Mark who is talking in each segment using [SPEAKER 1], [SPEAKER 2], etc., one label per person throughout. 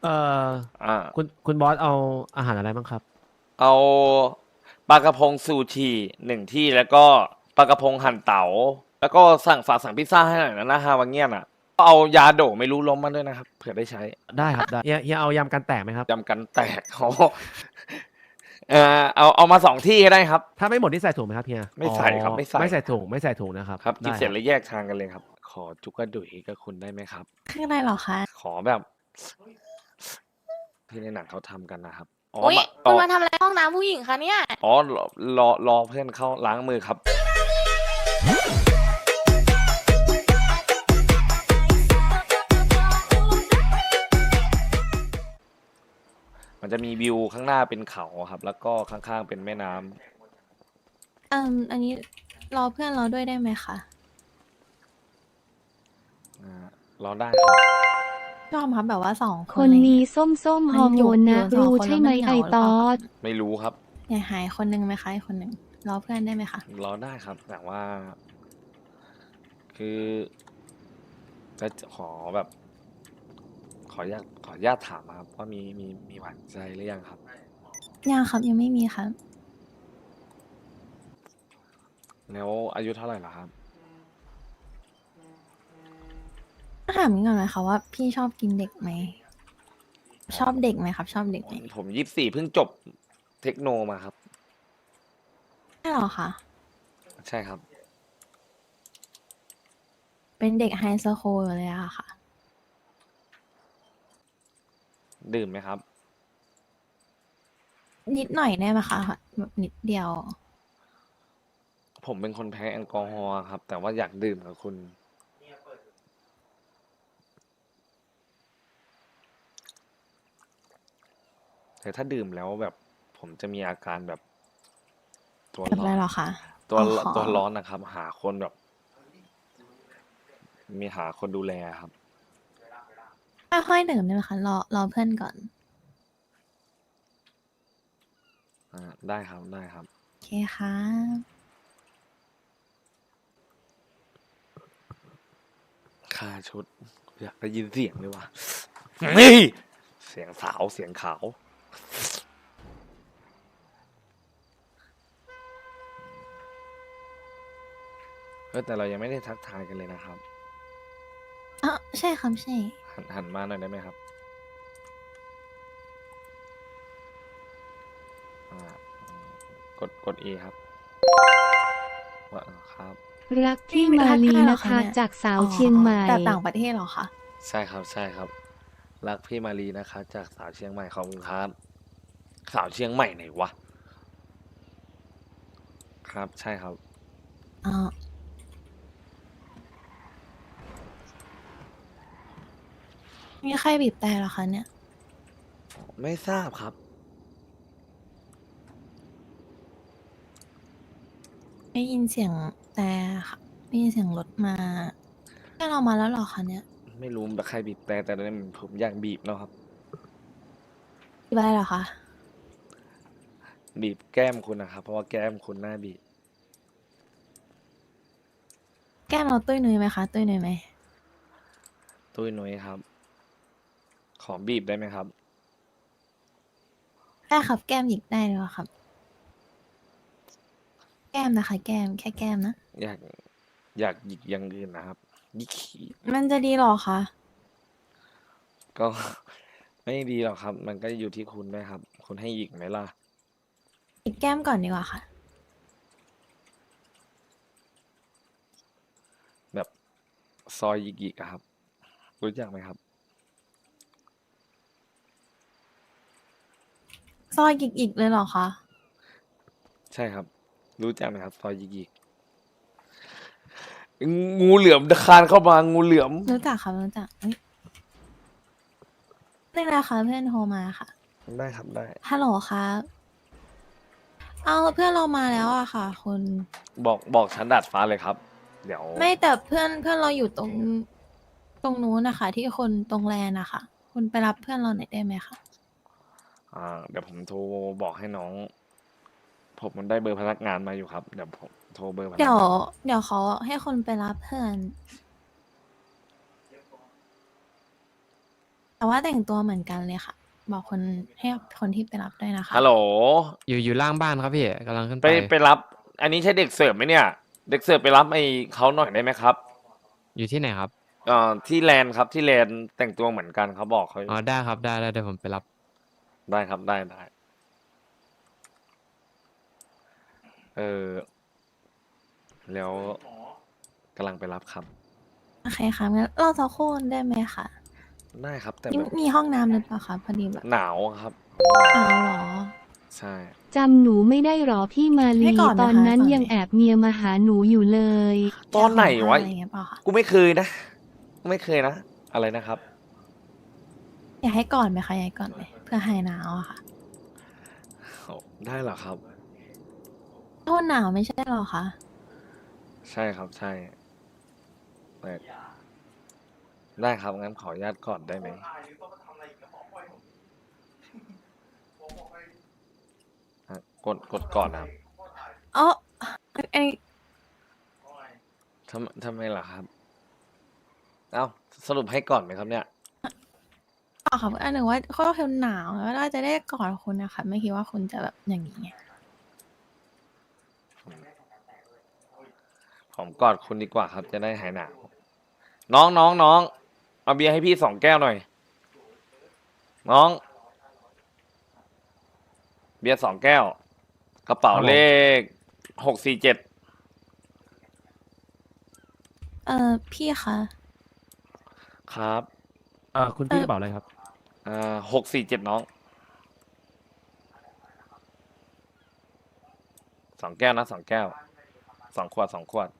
[SPEAKER 1] เอ่อ
[SPEAKER 2] อ่า
[SPEAKER 1] คุณบอสเอาอาหารอะไรบ้างครับ
[SPEAKER 2] เอาปลากระพงซูชิหนึ่งที่แล้วก็ปลากระพงหั่นเต๋าแล้วก็ฝากสั่งพิซซ่าให้หน่อยนะฮาวาเงียนอ่ะก็เอายาโดไม่รู้ล้มมาด้วยนะครับเผื่อได้ใช้
[SPEAKER 1] ได้ครับได้เฮียเอายำกันแตกไหมครับ
[SPEAKER 2] จำกันแตกโอ้เอามา2 ที่ก็ได้ครับ
[SPEAKER 1] ถ้าไม่หมดที่ใส่ถุงไหมครับเฮีย
[SPEAKER 2] ไม่
[SPEAKER 1] อ๋อ
[SPEAKER 2] ใส่ครับไม่ใส่
[SPEAKER 1] ไม่ใส่ถุงนะครับ
[SPEAKER 2] ครับกิน
[SPEAKER 1] ได้ครับ
[SPEAKER 2] เสร็จแล้วแยกทางกันเลยครับขอจุกกระดุยกับคุณได้ไหมครับ
[SPEAKER 3] คืออะไรเหรอคะ
[SPEAKER 2] ขอแบบที่ในหนังเขาทำกันนะครับอ๋อ
[SPEAKER 3] อุ๊ย
[SPEAKER 2] มาอ๋อ
[SPEAKER 3] คุณมาทำอะไรห้องน้ำผู้หญิงคะเนี่ย
[SPEAKER 2] อ๋อรอเพื่อนเข้าล้างมือครับ มันจะมีวิวข้างหน้าเป็นเขาครับแล้วก็ข้างๆเป็นแม่น้ำ
[SPEAKER 3] อันนี้รอเพื่อนเราด้วยได้ไหมคะ
[SPEAKER 2] อ่ารอได้ครับ
[SPEAKER 3] ชอบครับแบบว่าสองค
[SPEAKER 4] คนนี้
[SPEAKER 3] นอะไรเงี้ย
[SPEAKER 4] ส้มๆฮ
[SPEAKER 3] มัน
[SPEAKER 4] อร์โมนนะ
[SPEAKER 3] อยู่สอง
[SPEAKER 4] รู้
[SPEAKER 3] คน
[SPEAKER 4] ใช่ไหม
[SPEAKER 3] แล้วมันเห
[SPEAKER 4] ไอ
[SPEAKER 3] งาหรือเปล่า
[SPEAKER 4] ตอ
[SPEAKER 3] ครับ
[SPEAKER 4] ด
[SPEAKER 2] ไม่รู้ครับ
[SPEAKER 3] อยากหายคนนึงไหมคะอีกคนหนึ่งรอเพื่อนได้ไหมคะ
[SPEAKER 2] รอได้ครับแต่ว่าคือจะขอแบบขออนุญาตถามครับว่ามีหวานใจหรือยังครับ
[SPEAKER 3] ยังครับยังไม่มีครับ
[SPEAKER 2] แล้วอายุเท่าไหร่ล่ะครับ
[SPEAKER 3] ถามก่อนนะคะว่าพี่ชอบกินเด็กไหมชอบเด็กไหมครับชอบเด็กไหม
[SPEAKER 2] ผม24เพิ่งจบเทคโนมาครับ
[SPEAKER 3] ใช่เหรอคะ
[SPEAKER 2] ใช่ครับ
[SPEAKER 3] เป็นเด็กไฮสคูลอยู่เลยอะค่ะ
[SPEAKER 2] ดื่มไหมครับ
[SPEAKER 3] นิดหน่อยได้ไหมคะแบบนิดเดียว
[SPEAKER 2] ผมเป็นคนแพ้แอลกอฮอล์ครับแต่ว่าอยากดื่มกับคุณแต่ถ้าดื่มแล้วแบบผมจะมีอาการแบบตัว
[SPEAKER 3] แบบ
[SPEAKER 2] ร้อน
[SPEAKER 3] อะไรเหรอคะ
[SPEAKER 2] ตัว
[SPEAKER 3] อ๋อ
[SPEAKER 2] ตัวร้อนนะครับหาคนแบบ มีหาคนดูแลครับ
[SPEAKER 3] ค่อยๆดื่มได้ไหมคะรอเพื่อนก่อน
[SPEAKER 2] ได้ครับได้ครับ
[SPEAKER 3] โอเคค่ะ
[SPEAKER 2] ค่าชุดอยากได้ยินเสียงเลยว่ะนี่เสียงสาวเสียงขาวแต่เรายังไม่ได้ทักทายกันเลยนะครับ
[SPEAKER 3] อ๋อใช่ครับใช่
[SPEAKER 2] หันมาหน่อยได้ไหมครับอ่กด E ครับว่าครับ
[SPEAKER 4] รัก
[SPEAKER 3] พี่ไม่
[SPEAKER 4] พี่มา
[SPEAKER 3] ทัก
[SPEAKER 4] ลี
[SPEAKER 3] ทายเหรอ
[SPEAKER 4] นะคะ
[SPEAKER 3] คะเนี่ย
[SPEAKER 4] จากสาว
[SPEAKER 3] อ๋อ
[SPEAKER 4] เชียงใหม่
[SPEAKER 3] แต่ต่างประเทศเหรอคะ
[SPEAKER 2] ใช่ครับใช่ครับรักพี่มารีนะคะจากสาวเชียงใหม่ขอบคุณครับสาวเชียงใหม่ไหนวะครับใช่ครับ
[SPEAKER 3] อ๋อมีใครบีบแต่เหรอคะเนี่ย
[SPEAKER 2] ไม่ทราบครับ
[SPEAKER 3] ได้ยินเสียงแต่ค่ะได้ยินเสียงรถมาแค่เรามาแล้วเหรอคะเนี่ย
[SPEAKER 2] ไม่รู้แบบใครบีบแต่ตอนนี้ผมอยากบีบแล้วครับ
[SPEAKER 3] บีบอะไรเหรอคะ
[SPEAKER 2] บีบแก้มคุณนะครับเพราะว่าแก้มคุณหน้าบีบ
[SPEAKER 3] แก้มเราตุ้ยนุ้ยไหมคะตุ้ยนุ้ยไหม
[SPEAKER 2] ตุ้ยนุ้ยครับขอบีบได้ไหมครับ
[SPEAKER 3] ได้ครับแก้มหยิกได้เลยเหรอครับแก้มนะคะแก้มแค่แก้มนะ
[SPEAKER 2] อยากอยากหยิกอย่างอื่นนะครับหยิกขี้
[SPEAKER 3] มันจะดีเหรอคะ
[SPEAKER 2] ก็ ไม่ดีหรอกครับ มันก็อยู่ที่คุณด้วยครับคุณให้หยิกไหมล่ะ
[SPEAKER 3] หยิกแก้มก่อนดีกว่าค่ะ
[SPEAKER 2] แบบซอยหยิกๆอะครับรู้จักไหมครับ
[SPEAKER 3] ซอยหยิกๆเลยเหรอคะ
[SPEAKER 2] ใช่ครับรู้จักไหมครับซอยหยิกๆงูเหลือมคานเข้ามางูเหลือม
[SPEAKER 3] รู้จักค่ะรู้จักเอ้ยนี่นะคะเพื่อนโทรมาค่ะ
[SPEAKER 2] ได้ครับได้
[SPEAKER 3] ฮัลโหลครับเอาเพื่อนเรามาแล้วอะค่ะคุณ
[SPEAKER 2] บอกชั้นดาดฟ้าเลยครับเดี๋ยว
[SPEAKER 3] ไม่แต่เพื่อนเราอยู่ตรงนู้นนะคะที่คนตรงแลนนะคะคุณไปรับเพื่อนเราหน่อยได้ไหมคะ
[SPEAKER 2] เดี๋ยวผมโทรบอกให้น้อง ผมมันได้เบอร์พนักงานมาอยู่ครับเดี๋ยวผมโทรเบอร์พนั
[SPEAKER 3] เดี๋ยว
[SPEAKER 2] กงาน
[SPEAKER 3] เดี๋ยวเขาให้คนไปรับเพื่อนแต่ว่าแต่งตัวเหมือนกันเลยค่ะ บอกคนให้คนที่ไปรับด้วยนะคะ
[SPEAKER 2] ฮัลโหล
[SPEAKER 4] อยู่ล่างบ้านครับพี่กำลังขึ้น
[SPEAKER 2] ไป
[SPEAKER 4] ไป
[SPEAKER 2] ไปรับ อันนี้ใช่เด็กเสิร์ฟไหมเนี่ย เด็กเสิร์ฟไปรับไอ้เขาหน่อยได้ไหมครับ
[SPEAKER 4] อยู่ที่ไหนครับ
[SPEAKER 2] ที่แลนด์ครับที่แลนด์แต่งตัวเหมือนกันเขาบอกเขา
[SPEAKER 4] อ๋อได้ครับได้เดี๋ยวผมไปรับ
[SPEAKER 2] ได้ครับได้ได้แล้วกำลังไปรับครับ
[SPEAKER 3] โอเคค่ะงั้นเราจะคู่กันได้ไหมคะ
[SPEAKER 2] ได้ครับ แต่
[SPEAKER 3] นี่
[SPEAKER 2] แบบ
[SPEAKER 3] มีห้องน้ำหรือเปล่าคะพอดีแบบ
[SPEAKER 2] หนาวครับ
[SPEAKER 3] อ้าวเหรอ
[SPEAKER 2] ใช่
[SPEAKER 5] จำหนูไม่ได้หรอพี่มา
[SPEAKER 3] ให้
[SPEAKER 5] ลี
[SPEAKER 3] ก่อนนะคะ
[SPEAKER 5] ตอนนั้น
[SPEAKER 3] ก่อน
[SPEAKER 5] ยัง
[SPEAKER 3] ไหม
[SPEAKER 5] แอบเมียมาหาหนูอยู่เลย
[SPEAKER 2] ตอนไหนวะ
[SPEAKER 3] อะไรอย่างเงี้ยเปล่าคะ
[SPEAKER 2] กูไม่เคยนะไม่เคยนะ อะไรนะครับ
[SPEAKER 3] อยากให้ก่อนไหมคะอยากให้ก่อนไหมเพื่อหายหนาวอะค่ะ
[SPEAKER 2] โอ้ได้เหรอครับ
[SPEAKER 3] โทษหนาวไม่ใช่หรอคะ
[SPEAKER 2] ใช่ครับใช่แต่ได้ครับงั้นขออนุญาตก่อนได้ไหมอ่ะกดก่อนนะครับ
[SPEAKER 3] อ๋อไอ
[SPEAKER 2] ทำไมล่ะครับ เอ้าสรุปให้ก่อนไหมครับเนี่ย
[SPEAKER 3] อ๋อค่ะอันหนึ่งว่าเขาเทนหนาวแล้วเราจะได้กอดคุณนะคะไม่คิดว่าคุณจะแบบอย่างนี้ไง
[SPEAKER 2] ผมกอดคุณดีกว่าครับ จะได้หายหนาว น้องเอาเบียร์ให้พี่2 แก้วหน่อย น้อง เบียร์2 แก้ว กระเป๋า
[SPEAKER 1] ครับผม
[SPEAKER 2] เลข647
[SPEAKER 3] พี่คะ
[SPEAKER 2] ครับ
[SPEAKER 1] คุณพี่กระเป๋าอะไรครับ
[SPEAKER 2] 647น้อง2 แก้วนะ2 แก้ว2 ขวด2 ขวด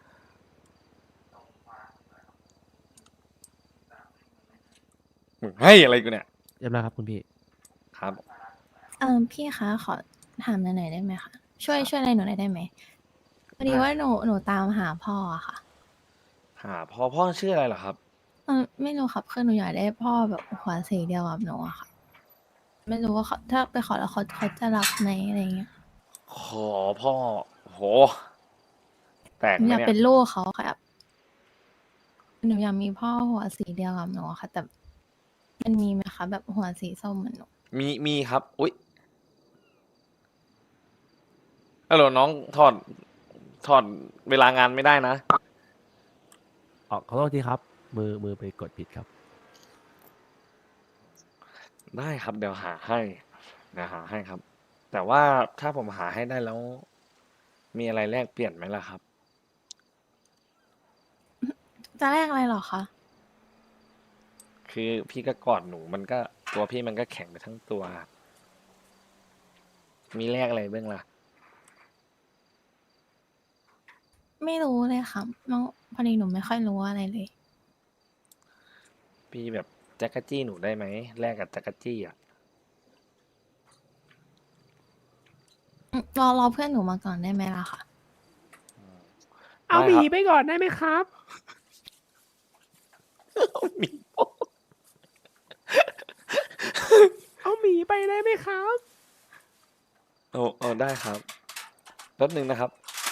[SPEAKER 2] มึงให้อะไรกูเนี่ย
[SPEAKER 1] เรียบร้อยครับคุณพี่
[SPEAKER 2] ครับ
[SPEAKER 3] พี่คะขอถามหน่อยได้ไหมคะช่วยอะไรหนูหน่อยได้ไหมพอดีว่าหนูตามหาพ่ออะค่ะ
[SPEAKER 2] หาพ่อชื่ออะไรเหรอครับ
[SPEAKER 3] ไม่รู้ครับคือหนูอยากได้พ่อแบบหัวสีเดียวกับหนูอะค่ะ ไม่รู้ว่าเขาถ้าไปขอแล้วเขาจะรับไหมอะไรเงี้ย
[SPEAKER 2] ขอพ่อโห แปลก
[SPEAKER 3] หนู
[SPEAKER 2] ไหม
[SPEAKER 3] อยาก
[SPEAKER 2] เนี่ย
[SPEAKER 3] เป็นลูกเขาครับหนูอยากมีพ่อหัวสีเดียวกับหนูอะค่ะ แต่มันมีไหมคะแบบหัวสีส้มเหมือนหนู
[SPEAKER 2] มีครับ อุ๊ยฮัลโหลน้องถอดเวลางานไม่ได้นะ
[SPEAKER 1] ขอโทษทีครับ มือไปกดผิดครับ
[SPEAKER 2] ได้ครับเดี๋ยวหาให้ครับ แต่ว่าถ้าผมหาให้ได้แล้ว มีอะไรแลกเปลี่ยนไหมล่ะครับ
[SPEAKER 3] จะแลกอะไรเหรอคะ
[SPEAKER 2] คือพี่ก็กอดหนูมันก็ตัวพี่มันก็แข็งไปทั้งตัวครับมีแลกอะไรบ้างล่ะ
[SPEAKER 3] ไม่รู้เลยค่ะน้องพอดีหนูไม่ค่อยรู้อะไรเลย
[SPEAKER 2] พี่แบบแจ็คเกอจี้หนูได้ไหมแลกกับแจ็คเกอจี้อ่ะ
[SPEAKER 3] รอเพื่อนหนูมาก่อนได้ไหมล่ะคะ
[SPEAKER 1] เอาหมี
[SPEAKER 2] ได้ครับ
[SPEAKER 1] ไปก่อนได้ไหมครับ
[SPEAKER 2] หมี
[SPEAKER 1] เอาหมีไปได้ไหมครับ
[SPEAKER 2] โอ้ได้ครับแป๊บนึงนะครับ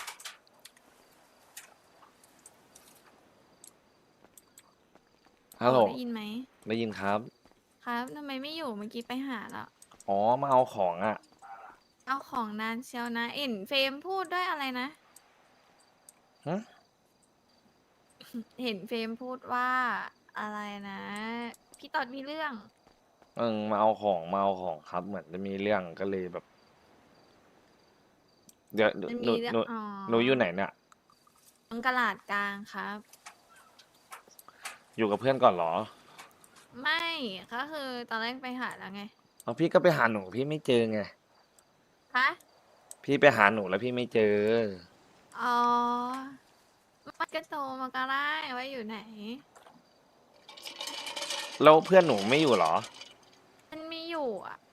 [SPEAKER 2] ฮัลโหล
[SPEAKER 6] ได้ยินไหม
[SPEAKER 2] ได้ยินครับ
[SPEAKER 6] ครับทำไมไม่อยู่เมื่อกี้ไปหาแล้ว
[SPEAKER 2] อ๋อมาเอาของอ่ะ
[SPEAKER 6] เอาของนานเชียวนะ เอ็นเฟรมพูดด้วยอะไรนะ
[SPEAKER 2] ฮะ
[SPEAKER 6] เห็นเฟรมพูดว่าอะไรนะ พี่ตอดมีเรื่อง
[SPEAKER 2] มาเอาของครับ เหมือนจะมีเรื่องก็เลยแบบ เดี๋ยว
[SPEAKER 6] มัน
[SPEAKER 2] หนู
[SPEAKER 6] มีเรื่อง
[SPEAKER 2] หนู
[SPEAKER 6] อ๋อ
[SPEAKER 2] หนูอยู่ไหนเนี่ย
[SPEAKER 6] ตรงกลาดกลางครับ
[SPEAKER 2] อยู่กับเพื่อนก่อนเหรอ
[SPEAKER 6] ไม่ก็คือตอนแรกไปหาแล้วไง
[SPEAKER 2] เอาพี่ก็ไปหาหนูพี่ไม่เจอไง
[SPEAKER 6] ฮะ
[SPEAKER 2] พี่ไปหาหนูแล้วพี่ไม่เจอ
[SPEAKER 6] อ๋อมันก็โตมาก็ได้ว่าอยู่ไหน
[SPEAKER 2] แล้วเพื่อนหนูไม่อยู่เหรอ
[SPEAKER 6] มันมีอยู่อ่ะ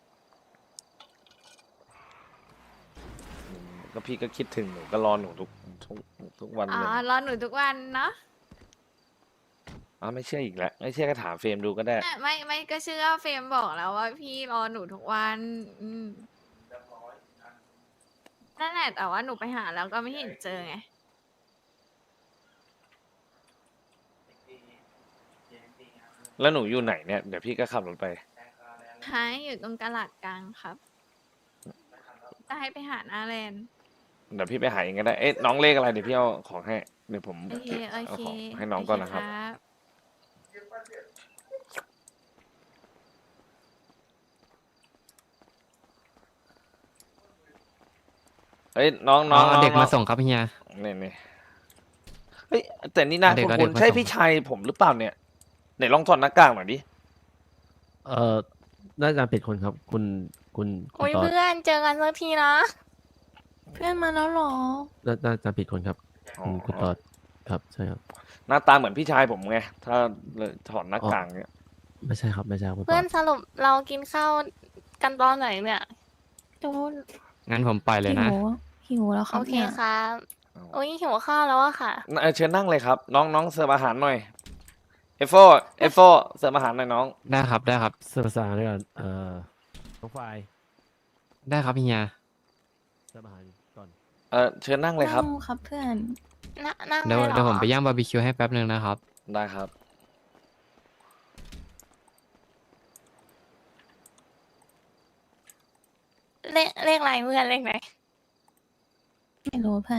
[SPEAKER 2] ก็พี่ก็คิดถึงหนูก็รอหนูทุกวัน
[SPEAKER 6] อ๋อ
[SPEAKER 2] เลย
[SPEAKER 6] รอหนูทุกวันเนาะ
[SPEAKER 2] ไม่เชื่ออีกแล้วไม่เชื่อก็ถามเฟรมดูก็ได้
[SPEAKER 6] ไม่ก็เชื่อเฟรมบอกแล้วว่าพี่รอหนูทุกวัน นั่นแหละแต่ว่าหนูไปหาแล้วก็ไม่เห็นเจอไง
[SPEAKER 2] อแล้วหนูอยู่ไหนเนี่ยเดี๋ยวพี่ก็ขับรถไป
[SPEAKER 6] หายอยู่ตรงตลาดกลางครับ จะให้ไปหาหน้าแลนด์
[SPEAKER 2] เดี๋ยวพี่ไปหาเองก็ได้ เอ๊ะน้องเลขอะไรเดี๋ยวพี่เอาของให้ เดี๋ยวผม
[SPEAKER 6] โอเค โอ
[SPEAKER 2] เอา
[SPEAKER 6] เค
[SPEAKER 2] ของให้น้องก่อนนะครับ
[SPEAKER 6] โเ
[SPEAKER 2] เฮ้ยน้องน้อง
[SPEAKER 4] เอาเด็ก
[SPEAKER 2] น้อง
[SPEAKER 4] มาส่งครับเฮีย
[SPEAKER 2] นี่เฮ้ยแต่นี่น่า
[SPEAKER 4] เอาเด็ก
[SPEAKER 2] คุณ
[SPEAKER 4] เอาเด็กมา
[SPEAKER 2] ใช่
[SPEAKER 4] ส่ง
[SPEAKER 2] พี่ชายผมหรือเปล่าเนี่ยไหนลองถอดหน้ากากหน่อยดิ
[SPEAKER 1] เอ่อน่าจะผิดคนครับ คุณคุณ
[SPEAKER 6] โอ้ย
[SPEAKER 1] ตอด
[SPEAKER 6] เพื่อนเจอกันสักทีนะ
[SPEAKER 3] เพื่อนมาแล้วเหรอ
[SPEAKER 1] น่าจะผิดคนครับ
[SPEAKER 2] อ๋อ
[SPEAKER 1] คุณตอดครับใช่ครับ
[SPEAKER 2] หน้าตาเหมือนพี่ชายผมไงถ้าเลยถอดหน้ากากเนี่ย
[SPEAKER 1] ไม่ใช่ครับไม่ใช่ครับคุณต
[SPEAKER 6] เพื่
[SPEAKER 1] อ
[SPEAKER 6] อน
[SPEAKER 1] ด
[SPEAKER 6] สรุปเรากินข้าวกันตอนไหนเนี่ย
[SPEAKER 3] ดู
[SPEAKER 4] งั้นผมปล่อยเลยนะ
[SPEAKER 3] หิวแล้วครั
[SPEAKER 6] โอบ เค
[SPEAKER 3] นี่ย
[SPEAKER 6] ครับ
[SPEAKER 2] เอา
[SPEAKER 6] โอ้ยหิวข้าวแล้วอะค่ะ
[SPEAKER 2] เชิญนั่งเลยครับ น้องน้องเสิร์ฟอาหารหน่อยเอฟโฟเสิร์ฟอาหารหน่อยน้อง
[SPEAKER 4] ได้ครับได้ครับ
[SPEAKER 1] เสิร์ฟภาษาด้วยกันน้องไฟล์
[SPEAKER 4] ได้ครับเฮีย
[SPEAKER 1] เสิร์ฟอาหารก่อน
[SPEAKER 2] เชิญนั่งเลยครับ
[SPEAKER 3] นั่งครับเพื่อน
[SPEAKER 6] นั่ง
[SPEAKER 4] เดี๋ยว
[SPEAKER 6] เลยเหรอ
[SPEAKER 4] เดี๋ยวผมไปย่างบาร์บีคิวให้แป๊บนึงนะครับ
[SPEAKER 2] ได้ครับ
[SPEAKER 6] เลขอะไรเพื่อนเลขไหน
[SPEAKER 3] ไม่รู้เพื่อน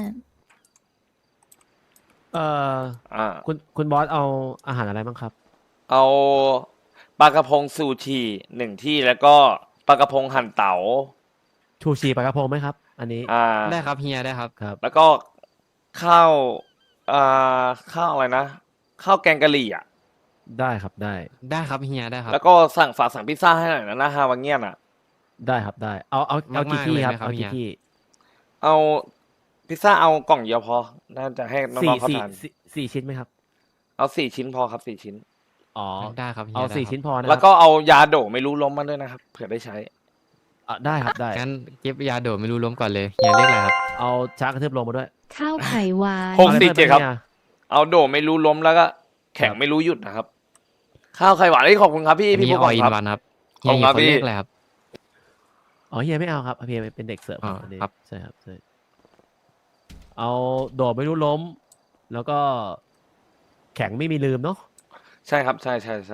[SPEAKER 1] เอ่อ
[SPEAKER 2] อ่า
[SPEAKER 1] คุณบอสเอาอาหารอะไรบ้างครับ
[SPEAKER 2] เอาปลากระพงซูชิหนึ่งที่แล้วก็ปลากระพงหั่นเต๋า
[SPEAKER 1] ชูชีปลากระพงไหมครับ อันนี้
[SPEAKER 4] ได้ครับเฮียได้ครับ
[SPEAKER 1] ครับ
[SPEAKER 2] แล้วก็ข้าวข้าวอะไรนะข้าวแกงกะหรี่อ่ะ
[SPEAKER 1] ได้ครับได้
[SPEAKER 4] ได้ครับเฮียได้ครับ
[SPEAKER 2] แล้วก็สั่งพิซซ่าให้หน่อยนะฮาวาเงียนอ่ะ
[SPEAKER 1] ได้ครับได้ เอากี่
[SPEAKER 4] มากๆ
[SPEAKER 1] ที่
[SPEAKER 4] เลย
[SPEAKER 1] ครับ
[SPEAKER 4] ไหมครับ
[SPEAKER 1] เอากี่
[SPEAKER 4] เฮีย
[SPEAKER 1] ที่
[SPEAKER 2] เอาพิซซ่าเอากล่องเดียวพอ น่าจะให้น้องๆเขาทาน
[SPEAKER 1] สี่ชิ้นไหมครับ
[SPEAKER 2] เอา4 ชิ้นพอครับ4 ชิ้น
[SPEAKER 1] อ๋อ
[SPEAKER 4] ได้ครับเฮีย
[SPEAKER 1] เอา
[SPEAKER 4] ได้
[SPEAKER 1] สี่
[SPEAKER 4] ครับ
[SPEAKER 1] ชิ้นพอนะค
[SPEAKER 2] แล้
[SPEAKER 1] รั
[SPEAKER 2] วก็เอายาโดไม่รู้ล้มมาด้วยนะครับเผื่อได้ใช้
[SPEAKER 1] ได้ครับได้
[SPEAKER 4] งั้นเก็บยาโดดไม่รู้ล้มก่อนเลยเฮียเรียกอะไรครับ
[SPEAKER 1] เอาช้ากระทืบลงมาด้วย
[SPEAKER 5] ข้าวไข่หวาน
[SPEAKER 2] หก
[SPEAKER 1] อาอะ
[SPEAKER 2] สี่
[SPEAKER 1] ไพิ่ม
[SPEAKER 2] เจ็ดครับ
[SPEAKER 1] นี่ย
[SPEAKER 2] เอาโดไม่รู้ล้มแล้วก็แข็ง
[SPEAKER 1] ครับ
[SPEAKER 2] ไม่รู้หยุดนะครับ ข้าวไข่หวานขอบคุณครับพี่
[SPEAKER 4] อัน
[SPEAKER 2] พี่
[SPEAKER 4] นี้
[SPEAKER 2] ผู้
[SPEAKER 4] อ
[SPEAKER 2] ก
[SPEAKER 4] อิ
[SPEAKER 2] อน งครับ
[SPEAKER 4] วันครับเฮี
[SPEAKER 2] ข
[SPEAKER 4] ย
[SPEAKER 2] อบคุณ
[SPEAKER 4] อยู่
[SPEAKER 2] ครับพี่
[SPEAKER 4] คนเลขอะไรครับ
[SPEAKER 1] อ๋อเฮียไม่เอาครับเฮียเป็นเด็กเสิร์ฟ
[SPEAKER 4] อ๋อ
[SPEAKER 1] อันนี้
[SPEAKER 4] ครับ
[SPEAKER 1] ใช่ครับใช่เอาโดดไม่รู้ล้ม แล้วก็แข็งไม่มีลืมเนาะ
[SPEAKER 2] ใช่ครับใช่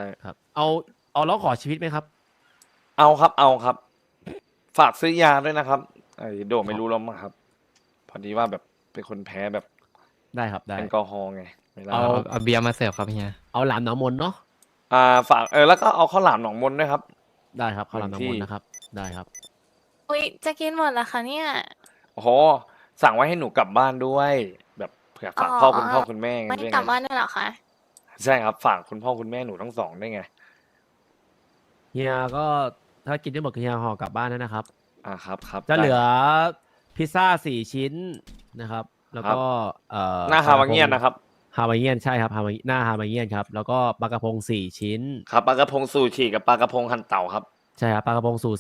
[SPEAKER 1] ครับ เอาล้อขอชีวิตไหมครับ
[SPEAKER 2] เอาครับ ฝากซื้อยาด้วยนะครับไอ้โดไม่รู้ล้มอะครับ พอดีว่าแบบเป็นคนแพ้แบบ
[SPEAKER 1] ได้ครับได้
[SPEAKER 2] แอลกอฮอล์ไงเวลา
[SPEAKER 1] เอา
[SPEAKER 4] เอาเบียร์มาเสิร์ฟครับเฮีย
[SPEAKER 1] เอาหลามหนองมนเนาะ
[SPEAKER 2] ฝากแล้วก็เอาข้าวหลามหนองมนด้วยครับ
[SPEAKER 1] ได้ครับข้าวหลามหนองมน
[SPEAKER 2] ที่
[SPEAKER 1] นะครับ ได้ครับ
[SPEAKER 6] อุ้ยจะกินหมดเหรอคะเนี่ย
[SPEAKER 2] โอ้โหสั่งไว้ให้หนูกลับบ้านด้วย แบบเผื่อฝาก
[SPEAKER 6] อ๋อ
[SPEAKER 2] คุณพ่อคุณแม่
[SPEAKER 6] ไม่
[SPEAKER 2] ด้วย
[SPEAKER 6] กลับ
[SPEAKER 2] ไง
[SPEAKER 6] บ้านด้วยเหรอคะ
[SPEAKER 2] ใช่ครับฝากคุณพ่อคุณแม่หนูทั้งสองได้วยไง
[SPEAKER 1] เฮียก็ถ้ากินได้หมดก็เฮียห่อกลับบ้านนะครับ
[SPEAKER 2] ครับ
[SPEAKER 1] จะเหลือ
[SPEAKER 2] ได้
[SPEAKER 1] พิซซ่า4 ชิ้นนะครับ แล้วก็
[SPEAKER 2] หน้าฮาวาเงียนนะครับ
[SPEAKER 1] ฮาวาเงียนใช่ครับหน้าฮาวาเงียนครับ แล้วก็ปลากระพง4 ชิ้น
[SPEAKER 2] ครับปลากระพงซูชิกับปลากระพงหั่นเต่าครับ
[SPEAKER 1] ใช่ครับปลากระพงสูตร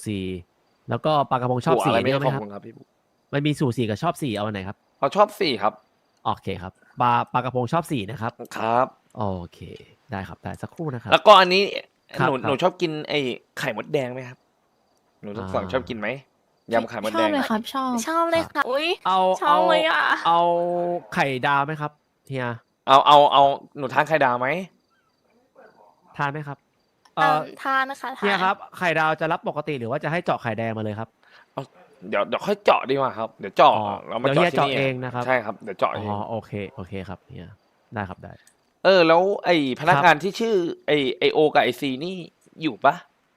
[SPEAKER 1] 4แล้วก็ปลากระพงชอบ
[SPEAKER 2] หัว
[SPEAKER 1] สี
[SPEAKER 2] อะไรไม่
[SPEAKER 1] ด้วยไหม
[SPEAKER 2] ขอบ
[SPEAKER 1] ครับ
[SPEAKER 2] คุณครับพี่บุ๊ค
[SPEAKER 1] มันมีสูตร4กับชอบ4เอาอันไหนครับ
[SPEAKER 2] เขาชอบ4ครับ
[SPEAKER 1] โอเคครับปลากระพงชอบ4นะครับ
[SPEAKER 2] ครับ
[SPEAKER 1] โอเค ได้ครับได้สักครู่นะครับ
[SPEAKER 2] แล้วก็อันนี้
[SPEAKER 1] ครับ
[SPEAKER 2] หนู
[SPEAKER 1] ครับ
[SPEAKER 2] หนูชอบกินไอ้ไข่มดแดงไหมครับ หนูทั้งสอง
[SPEAKER 1] อ่า
[SPEAKER 2] ชอบกินไหมยำไข่มด
[SPEAKER 3] ช
[SPEAKER 2] แด
[SPEAKER 3] อบ
[SPEAKER 2] ง
[SPEAKER 3] เลยครับ ชอบ
[SPEAKER 6] ชอบเลยค่ะ อุ้ย
[SPEAKER 1] เอา
[SPEAKER 6] ชอบเลยอะ
[SPEAKER 1] เอาไข่ดาวไหมครับเฮีย
[SPEAKER 2] เอาหนูทานไข่ดาวไหม
[SPEAKER 1] ทานไหมครับ
[SPEAKER 6] ทานนะคะทาน
[SPEAKER 1] เฮียครับไข่ดาวจะรับปกติหรือว่าจะให้เจาะไข่แดงมาเลยครับ
[SPEAKER 2] เดี๋ยวค่อยเจาะดีกว่าครับ เดี๋ยวเจาะ
[SPEAKER 1] อ๋อ
[SPEAKER 2] เรามา
[SPEAKER 1] เดี๋ยวเฮีย
[SPEAKER 2] เจาะที่
[SPEAKER 1] เจาะ
[SPEAKER 2] นี่
[SPEAKER 1] เองนะครับ
[SPEAKER 2] ใช่ครับเดี๋ยวเจาะ
[SPEAKER 1] อ๋
[SPEAKER 2] เอง
[SPEAKER 1] อโอเคครับเฮียได้ครับได้
[SPEAKER 2] แล้วไอ้พนักงานที่ชื่อไอโอกับไอซีนี่อยู่ปะ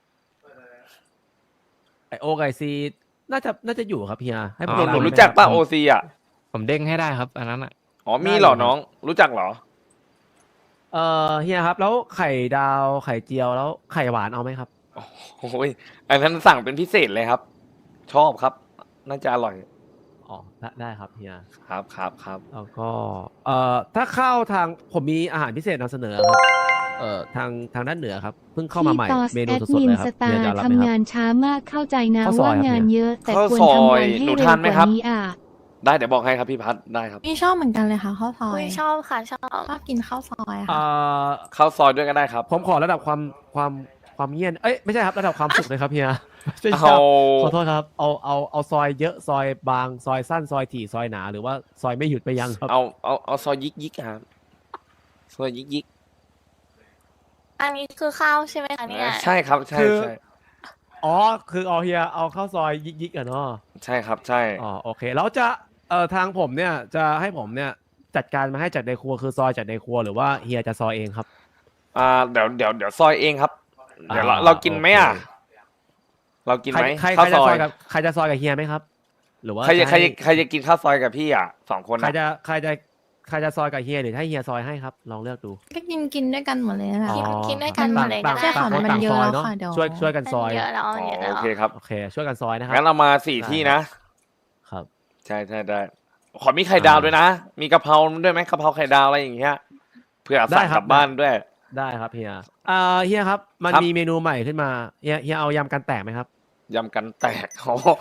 [SPEAKER 1] ไอโอไก่ซีน่าจะอยู่ครับเฮียให้ผม
[SPEAKER 2] หนู
[SPEAKER 1] ตาม
[SPEAKER 2] หนู
[SPEAKER 1] ไป
[SPEAKER 2] รู้จัก
[SPEAKER 1] ไหม
[SPEAKER 2] ป่ะ
[SPEAKER 1] ครับ
[SPEAKER 2] โอซีอ่ะ
[SPEAKER 4] ผมเด้งให้ได้ครับ อันนั้นอ่ะ
[SPEAKER 2] อ๋อมี
[SPEAKER 1] ได้
[SPEAKER 2] เหรอ
[SPEAKER 1] เลยครับ
[SPEAKER 2] น้อง รู้จักเหรอ
[SPEAKER 1] เฮียครับ แล้วไข่ดาวไข่เจียวแล้วไข่หวานเอาไหมครับ
[SPEAKER 2] โอ้ยอันนั้นสั่งเป็นพิเศษเลยครับ ชอบครับ น่าจะอร่อย
[SPEAKER 1] อ๋อได้ครับเฮีย
[SPEAKER 2] ครับ
[SPEAKER 1] แล้วก็ถ้าเข้าทางผมมีอาหารพิเศษนำเสนอครับทางด้านเหนือครับเพิ่งเข้ามาใหม่
[SPEAKER 5] พี่ตอส
[SPEAKER 1] เมนู
[SPEAKER 5] แอด
[SPEAKER 1] สด
[SPEAKER 5] มิ
[SPEAKER 1] ๆ
[SPEAKER 5] น
[SPEAKER 1] เลยครั
[SPEAKER 5] ส
[SPEAKER 1] บ
[SPEAKER 5] ตา
[SPEAKER 1] เฮีย
[SPEAKER 5] ร์
[SPEAKER 1] จะรับไหม
[SPEAKER 5] ทำ
[SPEAKER 1] ครั
[SPEAKER 5] งา
[SPEAKER 1] บ
[SPEAKER 5] นช้ามากเข้าใจนะ
[SPEAKER 1] ข้าวซอ
[SPEAKER 5] ว่าย
[SPEAKER 1] ครับ
[SPEAKER 5] งาน
[SPEAKER 1] เนี่ย
[SPEAKER 5] เยอะ แต่
[SPEAKER 2] ข้าว
[SPEAKER 5] ควร
[SPEAKER 2] ซอย
[SPEAKER 5] ทำงานให้
[SPEAKER 2] หนู
[SPEAKER 5] เร็ว
[SPEAKER 2] ทานไหม
[SPEAKER 5] ก
[SPEAKER 2] ครั
[SPEAKER 5] ว่า
[SPEAKER 2] บ
[SPEAKER 5] นี้อ่ะ
[SPEAKER 2] ได้เดี๋ยวบอกให้ครับพี่พัดได้ครับ
[SPEAKER 3] พี่ชอบเหมือนกันเลยค่ะข้าวซอ
[SPEAKER 6] อุ้
[SPEAKER 3] ย
[SPEAKER 6] ยชอบค่ะชอบ
[SPEAKER 3] ชอบกินข้าวซอย
[SPEAKER 1] เอ่
[SPEAKER 3] ค่ะ
[SPEAKER 1] อ
[SPEAKER 2] ข้าวซอยด้วยก็ได้ครับ
[SPEAKER 1] ผมขอระดับความเงียนเอ้ยไม่ใช่ครับระดับความสุขเลยครับเฮียไม่ใช่
[SPEAKER 2] เอา
[SPEAKER 1] ครับขอโทษครับเอาซอยเยอะซอยบางซอยสั้นซอยถี่ซอยหนาหรือว่าซอยไม่หยุดไปยังครับ
[SPEAKER 2] เอาซอยยิกครับซอยยิก
[SPEAKER 6] อันนี้คือข้าวใช่ไหมคะเนี่ย
[SPEAKER 2] ใช่ครับใช่
[SPEAKER 1] คือ
[SPEAKER 2] ใช่
[SPEAKER 1] อ๋อคือเอาเฮียเอาข้าวซอยยิกๆอะเนาะ
[SPEAKER 2] ใช่ครับใช่
[SPEAKER 1] อ๋อโอเคแล้วจะทางผมเนี่ยจะให้ผมเนี่ยจัดการมาให้จากในครัวคือซอยจากในครัวหรือว่าเฮียจะซอยเองครับ
[SPEAKER 2] เดี๋ยวซอยเองครับ เดี๋ยวเรา
[SPEAKER 1] อ่า
[SPEAKER 2] เรากินไหมอ่ะ
[SPEAKER 1] โอเค
[SPEAKER 2] เรากิน
[SPEAKER 1] ใคร
[SPEAKER 2] ไหม
[SPEAKER 1] ใคร
[SPEAKER 2] ข้าว
[SPEAKER 1] จะ
[SPEAKER 2] ซ
[SPEAKER 1] ซ
[SPEAKER 2] อ
[SPEAKER 1] อย ยกับใครจะซอยกับเฮียไหมครับ หรือว่า
[SPEAKER 2] ใครจะ
[SPEAKER 1] จะให้
[SPEAKER 2] ใครจะกินข้าวซอยกับพี่อ่ะ2 คน
[SPEAKER 1] ใคร
[SPEAKER 2] อ่ะ
[SPEAKER 1] จะใครจะใครจะซอยกับเฮียหรือให้เฮียซอยให้ครับลองเลือกดู
[SPEAKER 3] ก็กินด้วยกันหมดเลยนะ
[SPEAKER 1] อ๋อ
[SPEAKER 6] กินด้วยกันหมดเลยก็
[SPEAKER 1] ต่าง
[SPEAKER 6] ได้
[SPEAKER 3] ใช่ค่ะ
[SPEAKER 1] ต่างคน
[SPEAKER 3] มัน
[SPEAKER 1] ต่าง
[SPEAKER 3] เย
[SPEAKER 1] ซ
[SPEAKER 3] อะ
[SPEAKER 1] อย
[SPEAKER 3] แล้ว
[SPEAKER 1] เนาะ
[SPEAKER 3] ค่ะเดี๋ยว
[SPEAKER 1] ช่วยกันซอย
[SPEAKER 6] มันเยอะแล้ว
[SPEAKER 2] อ๋
[SPEAKER 6] เยอะ
[SPEAKER 2] อ
[SPEAKER 6] แล้ว
[SPEAKER 2] โอเคครับ
[SPEAKER 1] โอเค ช่วยกันซอยนะครับ
[SPEAKER 2] งั้นเรามา4
[SPEAKER 1] ได้
[SPEAKER 2] ที่นะ
[SPEAKER 1] ครับ
[SPEAKER 2] ใช่ใช่ได้ ขอมีไข่ดาวด้วยนะ มีกะเพราด้วยไหมกะเพราไข่ดาวอะไรอย่างเงี้ยเพื่อ
[SPEAKER 1] ได้
[SPEAKER 2] สั่ง
[SPEAKER 1] ครั
[SPEAKER 2] ก
[SPEAKER 1] บ
[SPEAKER 2] ลับบ้านด้วย
[SPEAKER 1] ได้ครับเฮียเฮียครับมัน
[SPEAKER 2] ครับ
[SPEAKER 1] มีเมนูใหม่ขึ้นมาเฮียเอายำกันแตกไหมครับ
[SPEAKER 2] ยำกันแตก โอ้โห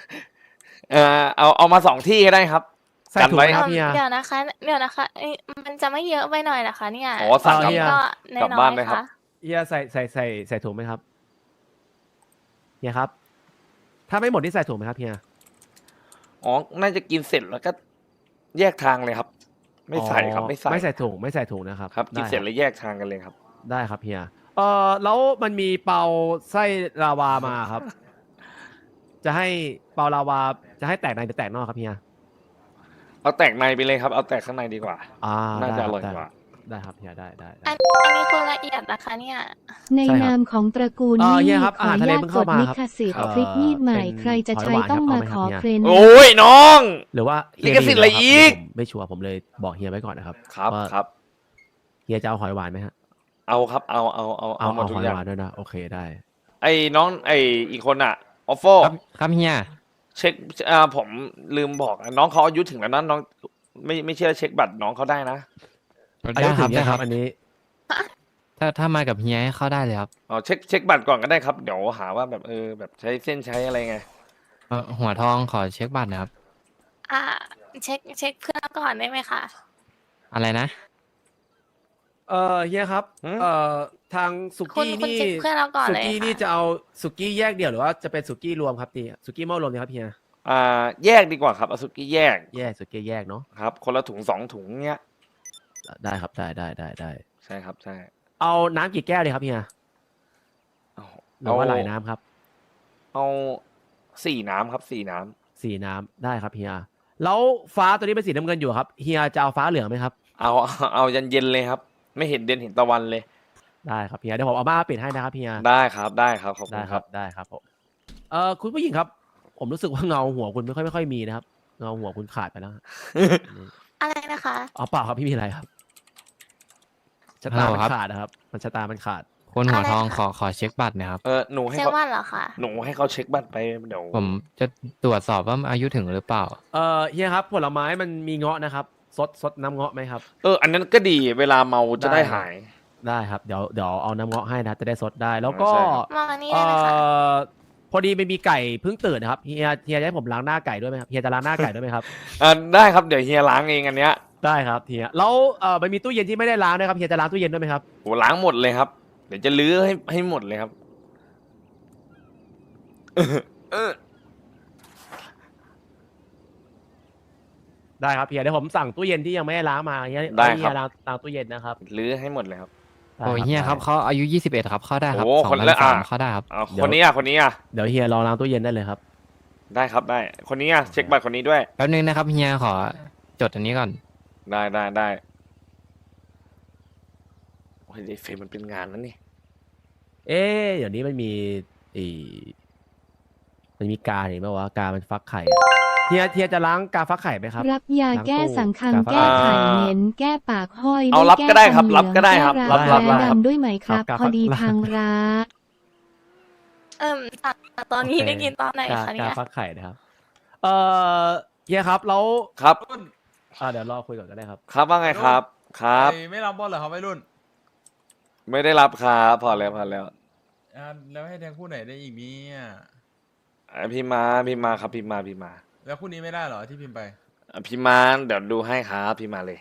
[SPEAKER 2] เอามา2 ที่ก็ได้ครับ
[SPEAKER 1] ใส่
[SPEAKER 2] กัน
[SPEAKER 1] ถุง
[SPEAKER 2] ไว้
[SPEAKER 1] ไหมครับเฮีย
[SPEAKER 6] เดี๋ยวนะคะมันจะไม่เยอะไปหน่อยเหรอคะเนี่ย
[SPEAKER 2] อ๋อสั่ง
[SPEAKER 1] เฮีย
[SPEAKER 6] ก็
[SPEAKER 2] กลับ
[SPEAKER 6] น้อ
[SPEAKER 2] บ้าย น
[SPEAKER 6] ๆ
[SPEAKER 2] เลยครับ
[SPEAKER 6] ค่ะ
[SPEAKER 1] เฮียใส่ถุงไหมครับเฮียครับ ถ้าไม่หมดนี่ใส่ถุงไหมครับเฮีย
[SPEAKER 2] อ๋อ น่าจะกินเสร็จแล้วก็แยกทางเลยครับ ไม่ใส่ครับ
[SPEAKER 1] อ๋อ
[SPEAKER 2] ไม่ใส่
[SPEAKER 1] ไม่ใส่ถุงนะครับ
[SPEAKER 2] ครับ กิน
[SPEAKER 1] ได้
[SPEAKER 2] เสร็จแล้วแยกทางกันเลยครับ
[SPEAKER 1] ได้ครับเฮียแล้วมันมีเปาไส้ลาวามาครับ จะให้เปาลาวาจะให้แตกในหรือแตกนอกครับเฮีย
[SPEAKER 2] เอาแตกในไปเลยครับ เอาแตกข้างในดีกว่า น่า
[SPEAKER 1] ได้
[SPEAKER 2] จะ
[SPEAKER 1] ค
[SPEAKER 2] อบ ร่อย
[SPEAKER 1] ได้
[SPEAKER 2] กว่า
[SPEAKER 1] ได้ครับเฮียได้
[SPEAKER 6] อันนี้คือละเอียดนะคะเนี่ย
[SPEAKER 5] ใน
[SPEAKER 1] ใช่ครับ
[SPEAKER 5] นามของตระกูล
[SPEAKER 1] เฮี
[SPEAKER 5] นี่
[SPEAKER 1] ยครับ
[SPEAKER 5] ขอ
[SPEAKER 1] อาหาร
[SPEAKER 5] อ
[SPEAKER 1] ทะเล
[SPEAKER 5] นุญาต
[SPEAKER 1] เพิ่ง
[SPEAKER 5] จ
[SPEAKER 1] เข้า
[SPEAKER 5] ด
[SPEAKER 1] มา
[SPEAKER 5] ลิ
[SPEAKER 1] ครับ
[SPEAKER 5] ขสิทธิ์
[SPEAKER 1] เอ่อ
[SPEAKER 5] คลิปมีดใหม่
[SPEAKER 1] เป็น
[SPEAKER 5] ใครจะใช้
[SPEAKER 1] หอยหวาน
[SPEAKER 5] ต้อง
[SPEAKER 1] ครับ
[SPEAKER 5] มา
[SPEAKER 1] เอาไหมครับ
[SPEAKER 5] ขอ
[SPEAKER 1] เนี่ย
[SPEAKER 5] เครน
[SPEAKER 2] โอ้ยน้อง
[SPEAKER 1] หรือว่าเฮี
[SPEAKER 2] ลิ
[SPEAKER 1] ย
[SPEAKER 2] ขสิทธิ์อะไร
[SPEAKER 1] มี
[SPEAKER 2] อีก
[SPEAKER 1] ผมไม่ชัวร์ผมเลยบอกเฮียไว้ก่อนนะครับ
[SPEAKER 2] ครับ
[SPEAKER 1] ว่า
[SPEAKER 2] ครับ
[SPEAKER 1] เฮียจะเอาหอยหวานไหมฮะ
[SPEAKER 2] เอาครับ เอา
[SPEAKER 1] เอา
[SPEAKER 2] หมดทุ
[SPEAKER 1] ห
[SPEAKER 2] ก
[SPEAKER 1] อย
[SPEAKER 2] อย่า
[SPEAKER 1] ห
[SPEAKER 2] ง
[SPEAKER 1] วานด้วยนะโอเคได้
[SPEAKER 2] ไอ้น้องไอ้อีกคนอ่ะออฟโฟ
[SPEAKER 4] ครับเฮีย
[SPEAKER 2] เช็คผมลืมบอกอะน้องเขาอายุถึงแล้วนะน้องไม่เชื่อเช็คบัตรน้องเขาได้นะ
[SPEAKER 1] อายุ
[SPEAKER 4] ได้
[SPEAKER 1] ถึ
[SPEAKER 4] ครับ
[SPEAKER 1] ง
[SPEAKER 4] ได้
[SPEAKER 1] เนี่ย
[SPEAKER 4] ค
[SPEAKER 1] ค
[SPEAKER 4] รั
[SPEAKER 1] รับ บอันนี้
[SPEAKER 4] ถ้ามากับเฮียให้เข้าได้เลยครับ
[SPEAKER 2] อ๋อเช็คบัตรก่อนก็ได้ครับเดี๋ยวหาว่าแบบแบบใช้เส้นใช้อะไรไง
[SPEAKER 4] หัวทองขอเช็คบัตรนะครับ
[SPEAKER 6] อ่าเช็คเพื่อนก่อนได้ไหมคะ
[SPEAKER 4] อะไรนะ
[SPEAKER 1] เฮียครับ
[SPEAKER 2] หืม
[SPEAKER 1] ทางสุ
[SPEAKER 6] คุณ
[SPEAKER 1] กี้
[SPEAKER 6] คุณ
[SPEAKER 1] นี่
[SPEAKER 6] เช็คเพื่อนเราก่อน
[SPEAKER 1] สุ
[SPEAKER 6] เลย
[SPEAKER 1] กี้นี่
[SPEAKER 6] ค่ะ
[SPEAKER 1] จะเอาสุกี้แยกเดี่ยวหรือว่าจะเป็นสุกี้รวมครับตีสุกี้หม้อรวมดีครับเฮีย
[SPEAKER 2] แยกดีกว่าครับเอาสุกี้แยก
[SPEAKER 1] แยกสุกี้แยกเนาะ
[SPEAKER 2] ครับ คนละถุง2 ถุงเงี้ย
[SPEAKER 1] ได้ครับได้
[SPEAKER 2] ใช่ครับใช่
[SPEAKER 1] เอาน้ำกี่แก้วเลยครับเฮีย
[SPEAKER 2] เอา
[SPEAKER 1] หรือว่าหลายน้ำครับ
[SPEAKER 2] เอา4 น้ำครับ4 น้ำ
[SPEAKER 1] 4 น้ำได้ครับเฮียแล้วฟ้าตัวนี้เป็นสีน้ำเงินอยู่ครับเฮียจะเอาฟ้าเหลืองไหมครับ
[SPEAKER 2] เอายันเย็นเลยครับ ไม่เห็นเดือนเห็นตะวันเลย
[SPEAKER 1] ได้ครับเฮียเดี๋ยวผมเอามาปิดให้นะครับเฮีย
[SPEAKER 2] ได้ครับได้ครับขอบคุ
[SPEAKER 1] ได้
[SPEAKER 2] ณ
[SPEAKER 1] ค
[SPEAKER 2] ค
[SPEAKER 1] รั
[SPEAKER 2] รั
[SPEAKER 1] บบ ได้ครับผมคุณผู้หญิงครับ ผมรู้สึกว่าเงาหัวคุณไม่ค่อยมีนะครับเงาหัวคุณขาดไปแล้วฮะ
[SPEAKER 6] อะไรนะคะ
[SPEAKER 1] อ๋อเปล่าครับพี่มีอะไรครับชะตา
[SPEAKER 4] ฮัลโหล
[SPEAKER 1] มัน
[SPEAKER 4] ครับ
[SPEAKER 1] ขาดนะครับ มันชะตามันขาด
[SPEAKER 4] คนหัวทอง
[SPEAKER 6] อะไร
[SPEAKER 4] ขอ
[SPEAKER 6] คะ
[SPEAKER 4] ขอเช็คบัตรนะครับ
[SPEAKER 2] หนูให้
[SPEAKER 6] เช็ค
[SPEAKER 2] เขา
[SPEAKER 6] ว่าเหรอคะ
[SPEAKER 2] หนูให้เขาเช็คบัตรไปเดี๋ยว
[SPEAKER 4] ผมจะตรวจสอบว่าอายุถึงหรือเปล่า
[SPEAKER 1] เฮียครับผลไม้มันมีเงาะนะครับซดน้ำเงาะไหมครับ
[SPEAKER 2] อันนั้นก็ดีเวลาเมาจะได้
[SPEAKER 1] ได้ครับ
[SPEAKER 2] หาย
[SPEAKER 1] ได้ครับเดี๋ยวเอาน้ำเงาะให้นะจะได้สดได้ แล้วก็
[SPEAKER 2] ใช่ครับ
[SPEAKER 6] มานี่ได้ไหมคะ
[SPEAKER 1] พอดีไม่มีไก่เพิ่งตื่นนะครับเฮียจะให้ผมล้างหน้าไก่ด้วยไหมครับเฮียจะล้างหน้าไก่ด้วยไหมครับ
[SPEAKER 2] ได้ครับเดี๋ยวเฮียล้างเองอันเนี้ย
[SPEAKER 1] ได้ครับเฮียแล้วมันมีตู้เย็นที่ไม่ได้ล้างด้วยครับเฮียจะล้างตู้เย็นด้วยไหมครับ
[SPEAKER 2] โหล้างหมดเลยครับ เดี๋ยวจะลื้อให้หมดเลยครับ
[SPEAKER 1] ได้ครับเฮียเดี๋ยวผมสั่งตู้เย็นที่ยังไม่ได้ล้างมาเฮีย
[SPEAKER 2] ได้
[SPEAKER 1] ให้
[SPEAKER 2] ครับ
[SPEAKER 1] เฮียล้างตู้เย็นนะครับ
[SPEAKER 2] ลื้อให้หมดเลยครับ
[SPEAKER 1] ได้
[SPEAKER 4] โอ้ยเฮียครับ
[SPEAKER 1] ได้
[SPEAKER 4] เขาอายุ21ครับเข้าได้ครับ
[SPEAKER 2] โอ้คนละ
[SPEAKER 4] 2003เข้าได้ครับ
[SPEAKER 2] เอา
[SPEAKER 1] เดี๋ยว
[SPEAKER 2] คนนี้อ่ะคนนี้อ่ะ
[SPEAKER 1] เดี๋ยวเฮียลองล้างตู้เย็นได้เลยครับ
[SPEAKER 2] ได้ครับได้ คนนี้อ่ะเช็คบัตรคนนี้ด้วย
[SPEAKER 4] แป๊บนึงนะครับเฮียขอจดอันนี้ก่อน
[SPEAKER 2] ได้โอ้ยไอ้เฟรมมันเป็นงานนั้นนี่
[SPEAKER 1] เดี๋ยวนี้มันมีอีมันมีกาเห็นไหมว่ากามันฟักไข่อะเฮียจะล้างกาฟักไข่ไหมครับ
[SPEAKER 5] รับยาแก้สังคัง
[SPEAKER 1] ล้างตู้
[SPEAKER 5] แก้ไขเหม็นแก้ปากห้อย
[SPEAKER 2] เอา
[SPEAKER 5] ด้วย
[SPEAKER 2] รับ
[SPEAKER 5] แก้
[SPEAKER 2] ก็ได้ครับ
[SPEAKER 5] ฟันเหลื
[SPEAKER 2] รับก็ได้ครับ
[SPEAKER 5] แก้
[SPEAKER 2] รับ
[SPEAKER 5] แผล
[SPEAKER 2] รับ
[SPEAKER 5] ดำด้วยไหมครับ
[SPEAKER 1] ครับ
[SPEAKER 5] พอดี
[SPEAKER 1] รับ
[SPEAKER 5] ทางร้าน
[SPEAKER 6] ตอนนี้
[SPEAKER 1] โอเค
[SPEAKER 6] ได้กินตอนไหน
[SPEAKER 1] กา
[SPEAKER 6] คะเนี่
[SPEAKER 1] กาย ฟักไข่นะครับเฮียครับแล้ว
[SPEAKER 2] ครับ
[SPEAKER 1] เดี๋ยวรอคุยก่อนก็ได้ครับ
[SPEAKER 2] ครับว่าไงครับ ครับ
[SPEAKER 7] ไอ้ไม่รับบอลเหรอครับวัยรุ่น
[SPEAKER 2] ไม่ได้รับครับพอแล้ว
[SPEAKER 7] แล้วให้แทงคู่ไหนได้อีกเนี่ย
[SPEAKER 2] พี่มาครับพี่มา
[SPEAKER 7] แล้วคู่นี้ไม่ได้เหรอที่พิมพ์ไป
[SPEAKER 2] พี่มาเดี๋ยวดูให้ครับพี่มาเลย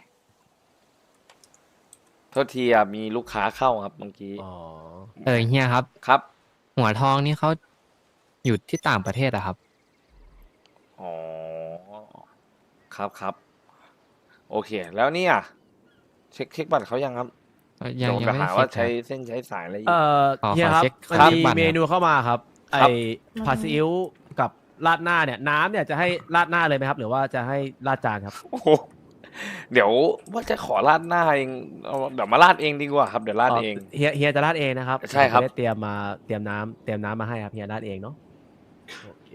[SPEAKER 2] โทษทีอ่ะมีลูกค้าเข้าครับเมื่อกี้
[SPEAKER 1] อ๋อ
[SPEAKER 4] เฮียครับ
[SPEAKER 2] ครับ
[SPEAKER 4] หัวทองนี่เขาอยู่ที่ต่างประเทศอะครับ
[SPEAKER 2] อ๋อครับโอเค แล้วเนี่ยเช็คบัตรเขายังครับ
[SPEAKER 4] ยั
[SPEAKER 2] โด
[SPEAKER 4] ง
[SPEAKER 2] น
[SPEAKER 4] ยัง
[SPEAKER 2] ก็
[SPEAKER 4] ไม่
[SPEAKER 2] หา
[SPEAKER 4] ได้
[SPEAKER 2] ว่า
[SPEAKER 4] เช็
[SPEAKER 2] ใช้
[SPEAKER 4] ค
[SPEAKER 2] เส้นใช้สายอะไรอีก
[SPEAKER 4] ขอ
[SPEAKER 1] เฮียครับ
[SPEAKER 4] เช็ค
[SPEAKER 1] มัน
[SPEAKER 4] ครับ
[SPEAKER 1] มี
[SPEAKER 4] บัตร
[SPEAKER 1] เมนูเข้ามาครับ ไอ
[SPEAKER 2] ครับ
[SPEAKER 1] ผัดซีอิ๊วกับราดหน้าเนี่ย น้ำเนี่ยจะให้ราดหน้าเลยไหมครับ หรือว่าจะให้ราดจานครับ
[SPEAKER 2] โอ้โหเดี๋ยวว่าจะขอราดหน้าเองเอาเดี๋ยวมาราดเองดีกว่าครับเดี๋ยวราดเอง
[SPEAKER 1] เฮียจะราดเองนะครับ
[SPEAKER 2] ใช่ครับ
[SPEAKER 1] ผมจะได้เตรียมน้ำมาให้ครับเฮียราดเองเนาะโอเค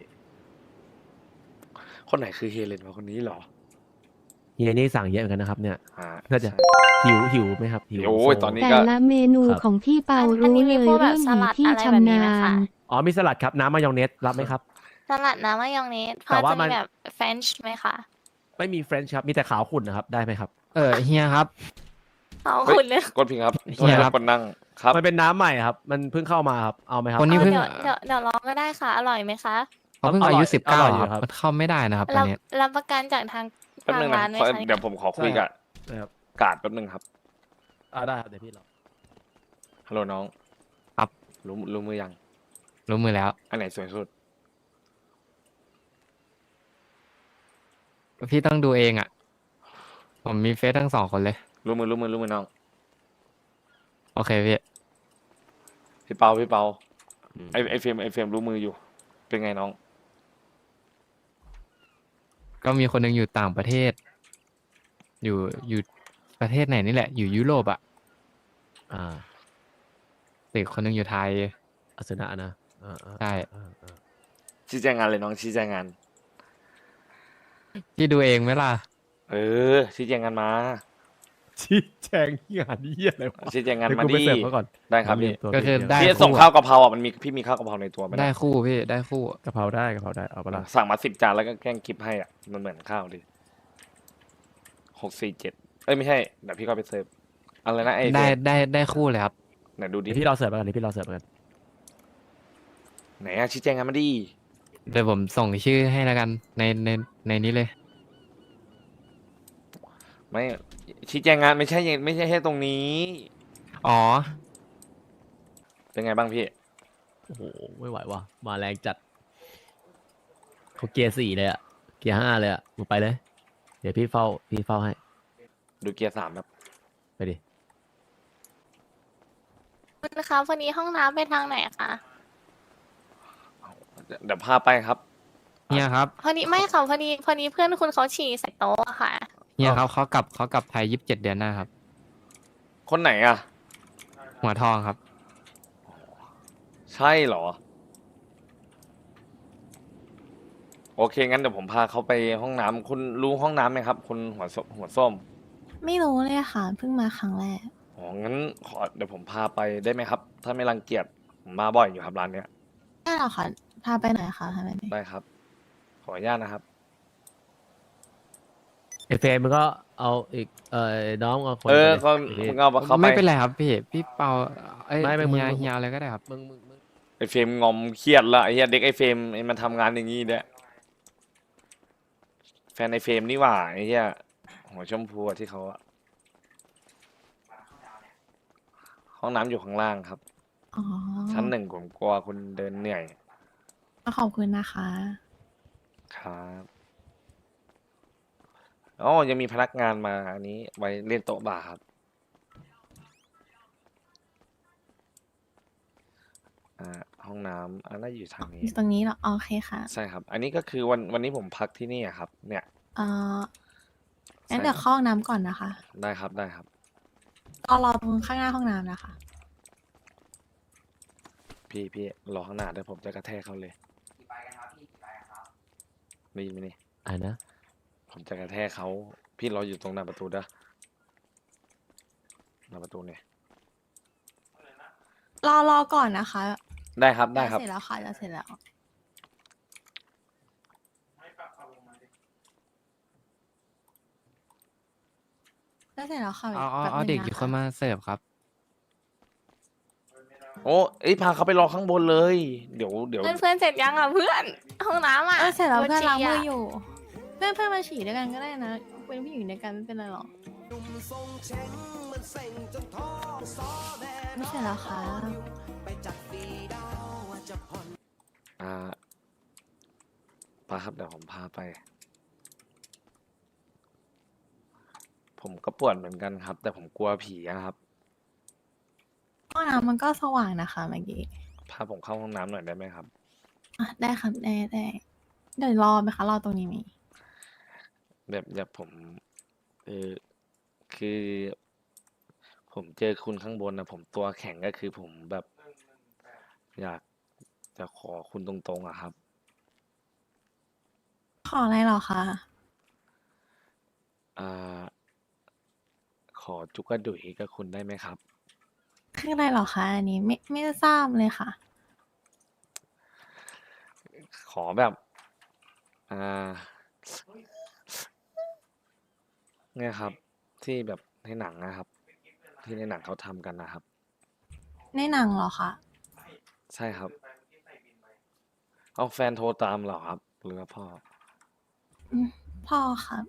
[SPEAKER 2] คนไหนคือเฮเลนวะคนนี้เหรอ
[SPEAKER 1] เฮียนี่สั่งเยอะเหมือนกันนะครับ เนี่ย
[SPEAKER 2] อ่า
[SPEAKER 1] น่าจะ
[SPEAKER 2] ใช่
[SPEAKER 1] หิวไหมครับหิว
[SPEAKER 2] โอ้ย
[SPEAKER 1] โซ
[SPEAKER 2] ตอนนี้
[SPEAKER 5] แต่ละเมนู
[SPEAKER 1] ครับ
[SPEAKER 5] ของพี่เปา
[SPEAKER 6] อัน
[SPEAKER 5] รู้
[SPEAKER 6] นี้
[SPEAKER 5] เล
[SPEAKER 6] มี
[SPEAKER 5] ย
[SPEAKER 6] พวกแบบ
[SPEAKER 5] เรื่อง
[SPEAKER 6] ส
[SPEAKER 5] หิว
[SPEAKER 6] ลัด
[SPEAKER 5] ที่
[SPEAKER 6] อะไรแบบ
[SPEAKER 5] ชำ
[SPEAKER 6] นี้
[SPEAKER 5] นา
[SPEAKER 6] ไหมคะ
[SPEAKER 5] ญ
[SPEAKER 1] อ๋อมีสลัดครับน้ำมายองเนสรับไหมครับ
[SPEAKER 6] สลัดน้ำมายองเนสพ
[SPEAKER 1] แต่
[SPEAKER 6] อ
[SPEAKER 1] ว่า
[SPEAKER 6] จะ
[SPEAKER 1] มั
[SPEAKER 6] มี
[SPEAKER 1] น
[SPEAKER 6] แบบเฟรนช์ไหมคะ
[SPEAKER 1] ไม่มีเฟรนช์ครับมีแต่ขาวขุ่นนะครับได้ไหมครับ
[SPEAKER 4] เฮียครับ
[SPEAKER 6] เอา
[SPEAKER 2] เฮ้ย
[SPEAKER 6] คุณเลย
[SPEAKER 2] กดพิงครับ
[SPEAKER 4] เฮียครับ
[SPEAKER 2] กดนั่งครับ
[SPEAKER 1] มันเป็นน้ำใหม่ครับ มันเพิ่งเข้ามาครับเอาไหมครับ
[SPEAKER 4] คนนี้
[SPEAKER 6] เอา
[SPEAKER 4] เพิ่ง
[SPEAKER 6] เดี๋ยวลองก็ได้ค่ะ อร่อยไหมคะ
[SPEAKER 4] เขาเพิ่ง
[SPEAKER 1] อร่อย
[SPEAKER 4] อายุ
[SPEAKER 1] อร่อยอยู่
[SPEAKER 4] 19 ค
[SPEAKER 1] ครั
[SPEAKER 4] รับ บมันเข้าไม่ได้นะครับตอน
[SPEAKER 6] รับ
[SPEAKER 4] เนี้ย
[SPEAKER 6] รับประกันจากทาง
[SPEAKER 2] แป๊บนึงนะ
[SPEAKER 6] ร้านไหม
[SPEAKER 2] ขอ
[SPEAKER 6] คะ
[SPEAKER 2] เดี๋ยวผมขอคุยกับ
[SPEAKER 1] นะครับ
[SPEAKER 2] กาดแป๊บนึงครับ
[SPEAKER 1] ได้ครับเดี๋ยวพี่รอ
[SPEAKER 2] ฮัลโหลน้อง
[SPEAKER 4] ครับ
[SPEAKER 2] รู้มือยัง
[SPEAKER 4] รู้มือแล้ว
[SPEAKER 2] อันไหนสวยสุด
[SPEAKER 4] พี่ต้องดูเองอ่ะ ผมมีเฟซทั้ง2 คนเลย
[SPEAKER 2] รู้มือน้อง
[SPEAKER 4] โอเคพี่
[SPEAKER 2] พี่เปาไอเฟรมรู้มืออยู่ เป็นไงน้อง
[SPEAKER 4] ก็มีคนหนึงอยู่ต่างประเทศ อยู่ประเทศไหนนี่แหละ อยู่ยุโรปอ่ะ
[SPEAKER 1] อ่า
[SPEAKER 4] อีกคนหนึงอยู่ไทย
[SPEAKER 1] อาสนะนะ
[SPEAKER 4] ใช่
[SPEAKER 2] ชี้แจงงานเลยน้องชี้แจงงาน
[SPEAKER 4] พี่ดูเองไหมล่ะ
[SPEAKER 2] ชี้แจงงานมา
[SPEAKER 1] ชี้แจงงานเยี่ยอะไรวะ
[SPEAKER 2] ชี้แจงงาน
[SPEAKER 1] เดี๋ยว
[SPEAKER 2] มา
[SPEAKER 1] กูไป
[SPEAKER 2] ดิ
[SPEAKER 1] เสิร์ฟเขาก่อน
[SPEAKER 2] ได้ครับพี่
[SPEAKER 4] ก็คือได้
[SPEAKER 2] พี่ส่งข้าวกะเพราอ่ะมันมีพี่มีข้าวกะเพราในตัวไหมนะ
[SPEAKER 4] ได้คู่พี่ได้คู่
[SPEAKER 1] กะเพราได้เอาปะล่ะ
[SPEAKER 2] สั่งมา10 จานแล้วก็แกล้งกิฟให้อ่ะมันเหมือนข้าวดิ647ไม่ใช่เดี๋ยวพี่ก็ไปเสิร์ฟอะไรนะไอ้
[SPEAKER 4] ได้คู่เลยครับ
[SPEAKER 2] ไหนดูดิ
[SPEAKER 1] เดี๋ยวพี่รอเสิร์ฟแล้วกันเดี๋ยวพี่รอเสิร์ฟแล้วกัน
[SPEAKER 2] ไหนอะชี้แจงงานมาดิ
[SPEAKER 4] เดี๋ยวผมส่งชื่อให้แล้วกันในนี้เลย
[SPEAKER 2] ไม่ชี้แจงงานไม่ใช่แค่ตรงนี้
[SPEAKER 4] อ๋อ
[SPEAKER 2] เป็นไงบ้างพี่
[SPEAKER 1] โอ้โหไม่ไหวว่ะมาแรงจัดเขาเกียร์4เลยอะเกียร์5เลยอะมึงไปเลย เดี๋ยวพี่เฝ้าให้
[SPEAKER 2] ดูเกียร์ 3ครับ
[SPEAKER 1] ไปดิ
[SPEAKER 6] คุณคะวันนี้ห้องน้ำไปทางไหนคะ
[SPEAKER 2] เดี๋ยวพาไปครับ
[SPEAKER 4] เฮียครับ
[SPEAKER 6] พอดีไม่ค่ะพอดีเพื่อนคุณเขาฉี่ใส่โต๊ะอะค่ะ
[SPEAKER 4] เฮียครับเขากลับไทย27 เดือนหน้าครับ
[SPEAKER 2] คนไหนอ่ะ
[SPEAKER 4] หัวทองครับ
[SPEAKER 2] ใช่เหรอ โอเคงั้นเดี๋ยวผมพาเขาไปห้องน้ำคุณรู้ห้องน้ำไหมครับคุณหัวส้ม
[SPEAKER 3] ไม่รู้เลยค่ะเพิ่งมาครั้งแรก
[SPEAKER 2] อ๋องั้นเดี๋ยวผมพาไปได้ไหมครับ ถ้าไม่รังเกียจผมมาบ่อยอยู่ครับร้านเนี้ย
[SPEAKER 3] ได้หรอคะพาไปไหนคะทำไมไม่
[SPEAKER 2] ได้ครับ ขออนุญาตนะครับ
[SPEAKER 1] เอฟเมึงก็เอาอีกน้องเอาคน
[SPEAKER 2] ก็
[SPEAKER 1] ไปดิ
[SPEAKER 2] มึงเอาเข้าไป
[SPEAKER 4] ไม่เป็นไรครับพี่เปาเอ้ย
[SPEAKER 1] ไม่มึง
[SPEAKER 4] เฮียอะไรก็ได้ครับ
[SPEAKER 1] มึง
[SPEAKER 2] ไอเฟรมงอมเครียดละไอเหี้ยเด็กไอเฟรมไอมันทำงานอย่างงี้เนี่ยแฟนไอเฟรมนี่หว่าไอเหี้ยหัวชมพูอะที่เขาอะห้องน้ำอยู่ข้างล่างครับ
[SPEAKER 3] อ๋อ
[SPEAKER 2] ชั้น 1ผมกลัวคุณเดินเหนื่อย
[SPEAKER 3] ขอบคุณนะคะ
[SPEAKER 2] ครับอ๋อยังมีพนักงานมาอันนี้ไว้เล่นโต๊ะบาร์ครับห้องน้ำน่าจะอยู่ทางนี้
[SPEAKER 3] ตรงนี้เหรอโอเคค่ะ
[SPEAKER 2] ใช่ครับ อันนี้ก็คือวันนี้ผมพักที่นี่อะครับ เนี่ย
[SPEAKER 3] เอ่องั้น
[SPEAKER 2] ใช่
[SPEAKER 3] เดี๋ยว
[SPEAKER 2] ครับ
[SPEAKER 3] เข้าห้องน้ำก่อนนะคะ
[SPEAKER 2] ได้ครับได้ครับ
[SPEAKER 3] รอตรงข้างหน้าห้องน้ำนะคะ
[SPEAKER 2] พี่รอข้างหน้าเดี๋ยวผมจะกระแทกเขาเลยได้ยินไหมนี่
[SPEAKER 1] นะ
[SPEAKER 2] ผมจะกระแทกเขาพี่รออยู่ตรงหน้าประตูเด้อหน้าประตูเนี่ย
[SPEAKER 3] รอก่อนนะคะ
[SPEAKER 2] ได้ครับได้ครับ
[SPEAKER 3] เสร็จแล้วค่ะจะเสร็จแล้วจะเสร็จแล้วค่ะ
[SPEAKER 4] เอาเด็กอีก
[SPEAKER 3] ะะ
[SPEAKER 4] คนมาเสิร์ฟครับ
[SPEAKER 2] โอ้พาเขาไปรอข้างบนเลย เดี๋ยว
[SPEAKER 6] เพื่อนเสร็จยังอ่ะเพื่อนห้องน้ำอ่ะ
[SPEAKER 3] เสร็จแล้วเพื่อนล้างมือ
[SPEAKER 6] โฉี่ะ
[SPEAKER 3] อยู่ เพื่อนมาฉี่ด้วยกันก็ได้นะเป็นผู้หญิงด้วยกันไม่เป็นไรหรอกไม่เสร็จแล้วค่ะ
[SPEAKER 2] พาครับเดี๋ยวผมพาไป ผมก็ปวดเหมือนกันครับ แต่ผมกลัวผีอะครับ
[SPEAKER 3] น้ำมันก็สว่างนะคะเมื่อกี้
[SPEAKER 2] พาผมเข้าห้องน้ำหน่อยได้ไหมครับ
[SPEAKER 3] อ่ะได้ครับได้เดี๋ยวรอไหมคะรอตรงนี้มี
[SPEAKER 2] แบบผมคือ ผมเจอคุณข้างบนนะผมตัวแข็งก็คือผมแบบ อยากจะขอคุณตรงๆอะครับ
[SPEAKER 3] ขออะไรเหรอคะ
[SPEAKER 2] อ่า ขอจุกกระดุยกับคุณได้ไหมครับ
[SPEAKER 3] คืออะไรเหรอคะอันนี้ไม่ทราบเลยค่ะ
[SPEAKER 2] ขอแบบ อ่า เนี่ยครับ ที่แบบในหนังนะครับ ที่ในหนังเขาทำกันนะครับ
[SPEAKER 3] ในหนังเหรอคะ
[SPEAKER 2] ใช่ครับ เอาแฟนโทรตามเหรอครับ หรือว่าพ่อ
[SPEAKER 3] พ่อครับ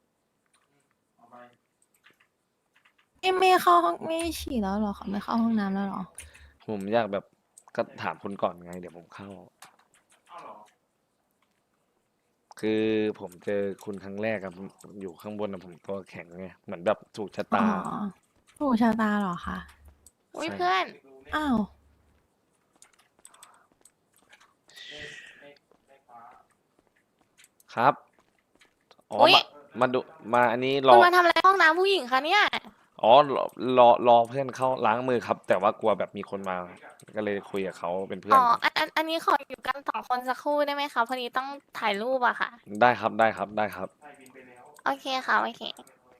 [SPEAKER 3] ไม่เข้าห้องไม่ฉี่แล้วเหรอคะไม่เข้าห้องน้ำแล้วเหรอ
[SPEAKER 2] ผมอยากแบบก็ถามคุณก่อนไง เดี๋ยวผมเข้า คือผมเจอคุณครั้งแรกอะผมอยู่ข้างบนนะผมตัวแข็งไงเหมือนแบบถูกชะ
[SPEAKER 3] อ๋อ
[SPEAKER 2] ตา
[SPEAKER 3] ถูกชะตาเหรอคะ
[SPEAKER 6] อุ้ย
[SPEAKER 2] ใช่
[SPEAKER 6] เพื่อน
[SPEAKER 3] อ้าว
[SPEAKER 2] ครับอ๋อ
[SPEAKER 6] อุ๊ย
[SPEAKER 2] มาดูมาอันนี้ร
[SPEAKER 6] คุ
[SPEAKER 2] อ
[SPEAKER 6] ณมาทำอะไรห้องน้ำผู้หญิงคะเนี่ย
[SPEAKER 2] อ๋อรอเพื่อนเข้าล้างมือครับ แต่ว่ากลัวแบบมีคนมา ก็เลยคุยกับเขาเป็นเพื่อน
[SPEAKER 6] อ๋อ
[SPEAKER 2] ครับ
[SPEAKER 6] อันนี้ขออยู่กัน2 คนสักครู่ได้ไหมคะพอดีต้องถ่ายรูปอะค่ะ
[SPEAKER 2] ได้ครับได้ครับได้ครับ
[SPEAKER 6] โอเคค่ะโอเค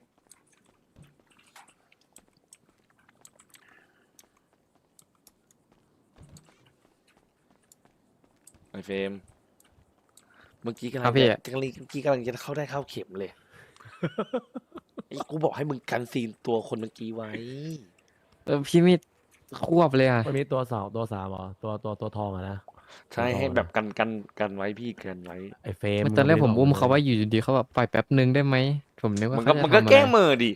[SPEAKER 2] ไอเฟรมเมื่อกี้กำ
[SPEAKER 4] ค
[SPEAKER 2] ลั
[SPEAKER 4] รั
[SPEAKER 2] ง
[SPEAKER 4] บพี่
[SPEAKER 2] จะเมื่อกี้กำลังจะเข้าได้เข้าเข็มเลย ไอ้กูบอกให้มึงกันซีนตัวคนเมื่อกี้ไว้
[SPEAKER 4] พี่ไม่ควบเลยอ่ะ
[SPEAKER 1] มันมีตัว2ตัว3เหรอตัวทองอะนะ
[SPEAKER 2] ใช่ให้แบบกันไว้พี่กันไว้
[SPEAKER 1] ไอ้เฟรม
[SPEAKER 4] ตอนแรก
[SPEAKER 1] ง
[SPEAKER 4] ผม
[SPEAKER 1] ไได้
[SPEAKER 4] อุ้ม
[SPEAKER 1] บลย
[SPEAKER 4] เขาไว้อยู่ดีๆเขาแบบปล่อยแป๊บนึงได้ไหมผมนึกว่า
[SPEAKER 2] มัน
[SPEAKER 4] เขา
[SPEAKER 2] ก็
[SPEAKER 4] จะ
[SPEAKER 2] มันก็
[SPEAKER 4] ทำอะไร
[SPEAKER 2] แกล้งมือดิ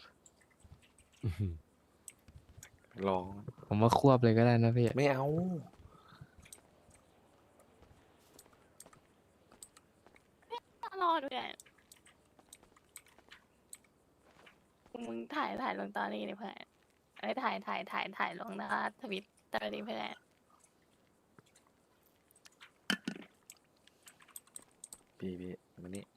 [SPEAKER 2] ลอง
[SPEAKER 4] ผมว่าควบเลยก็ได้นะพี่
[SPEAKER 2] ไม่เอา
[SPEAKER 6] รอด้วยมึงถ่ายลงตอรี่ดิเพื่อนเอ้ยถ่ายลงนะคะทวิตเตอร์ดิเพื่อน
[SPEAKER 2] พี่มานี่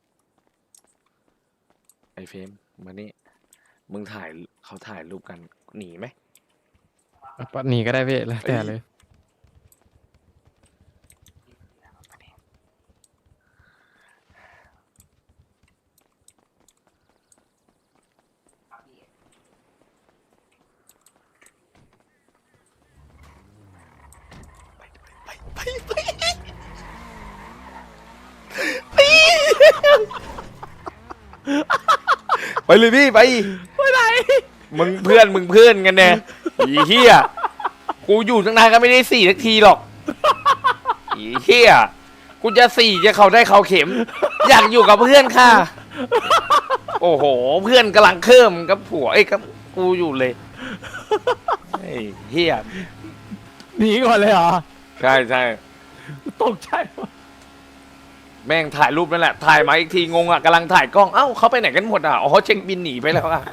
[SPEAKER 2] ไอเฟรมมานี่มึงถ่ายเขาถ่ายรูปกันหนีไหม
[SPEAKER 4] หนีก็ได้พี่แล้วแต่เลย
[SPEAKER 2] ไปเลยพี่ไปไหนมึงเพื่อนกันแน่อีเหี้ยกูอยู่ตั้งนานก็ไม่ได้4 นาทีหรอกอีเหี้ยกูจะ4จะเขาได้เขาเข็ม อยากอยู่กับเพื่อนค่ะ โอ้โห เพื่อนกำลังเคิ่มกับผัวไอ้กับกูอยู่เลยไอ้เหี้ย
[SPEAKER 1] หนีก่อนเลยเหรอ
[SPEAKER 2] ใช่
[SPEAKER 1] ตกใจว่ะ
[SPEAKER 2] แม่งถ่ายรูปนั่นแหละถ่ายมาอีกทีงงอ่ะกำลังถ่ายกล้องเอ้าเขาไปไหนกันหมดอ่ะอ๋อเช็คบินหนีไปแล้วอ่ะ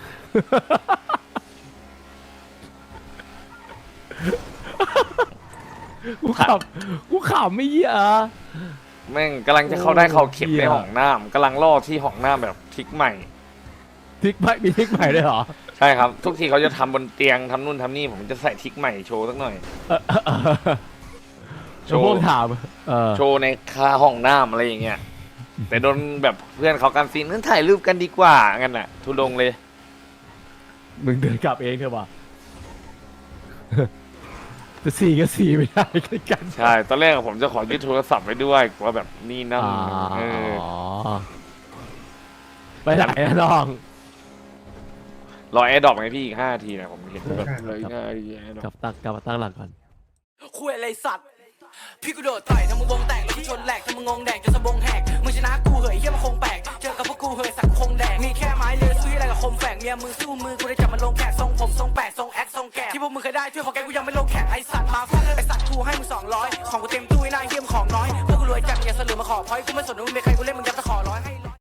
[SPEAKER 1] กูขำไม่เหี้ยอะ
[SPEAKER 2] แม่งกำลังจะเข้าได้เขาเข็ม
[SPEAKER 1] เหี้
[SPEAKER 2] ใน
[SPEAKER 1] ย
[SPEAKER 2] ห้องน้ำกำลังล่อที่ห้องน้ำแบบทริกใหม่
[SPEAKER 1] ทิกใหม่มีทิกใหม่ด้วยเหรอ
[SPEAKER 2] ใช่ครับ ทุกทีเขาจะทำบนเตียงทำนู่นทำนี่ผมจะใส่ทริกใหม่โชว์สักหน่อย โช
[SPEAKER 1] โช
[SPEAKER 2] ว์
[SPEAKER 1] ว์พวกถาม
[SPEAKER 2] โชว์ในคาห้องน้ำอะไรอย่างเงี้ยแต่โดนแบบเพื่อนเขากันซีนนั้นถ่ายรูปกันดีกว่างั้นน่ะ ทุดงเลย
[SPEAKER 1] มึงเดินกลับเองเถอะว่ะ จะสี่ก็สี่ไม่ได้กัน
[SPEAKER 2] ใช่ตอนแรกผมจะขอยึดโทรศัพท์ไว้ด้วยกลัวแบบนี่นั่น
[SPEAKER 1] อ๋อ
[SPEAKER 2] เออ
[SPEAKER 1] ไปไหนอะน้อง
[SPEAKER 2] รอแอร์ดรอปไงพี่อีก5 นาทีนะผมเห็นแบบเลยง่ายแอร์ดร
[SPEAKER 1] ก
[SPEAKER 2] อ
[SPEAKER 1] ลั
[SPEAKER 2] ป
[SPEAKER 1] บมาตั้งหลักก่อน
[SPEAKER 8] คุยอะไรสัตว์ พี่กูโดดต่อยทำมึงวงแตกแล้วกูชนแหลกทำมึงงงแดกจนสะบงแหกมึงชนะกูเหยเฮียมันคงแปลกเจอกับพวกกูเหยสักคงแดกมีแค่ไม้เลือซื้ออะไรกับคมแฝกเมียมึงสู้มือกูได้จับมันลงแขกทรงผมทรงแปดทรงแอคทรงแกะที่พวกมึงเคยได้ช่วยพอแกกูยังไม่ลงแขกไอสัตว์มาฟังไอสัตว์กูให้มึง200ของกูเต็มตู้ไอ้นายเฮียมของน้อยพวกกูรวยจัดอย่าสลือมาขอพอยกูไม่สนว่ามึงเป็นใครกูเล่นมึงยัดตะขอร้อยให้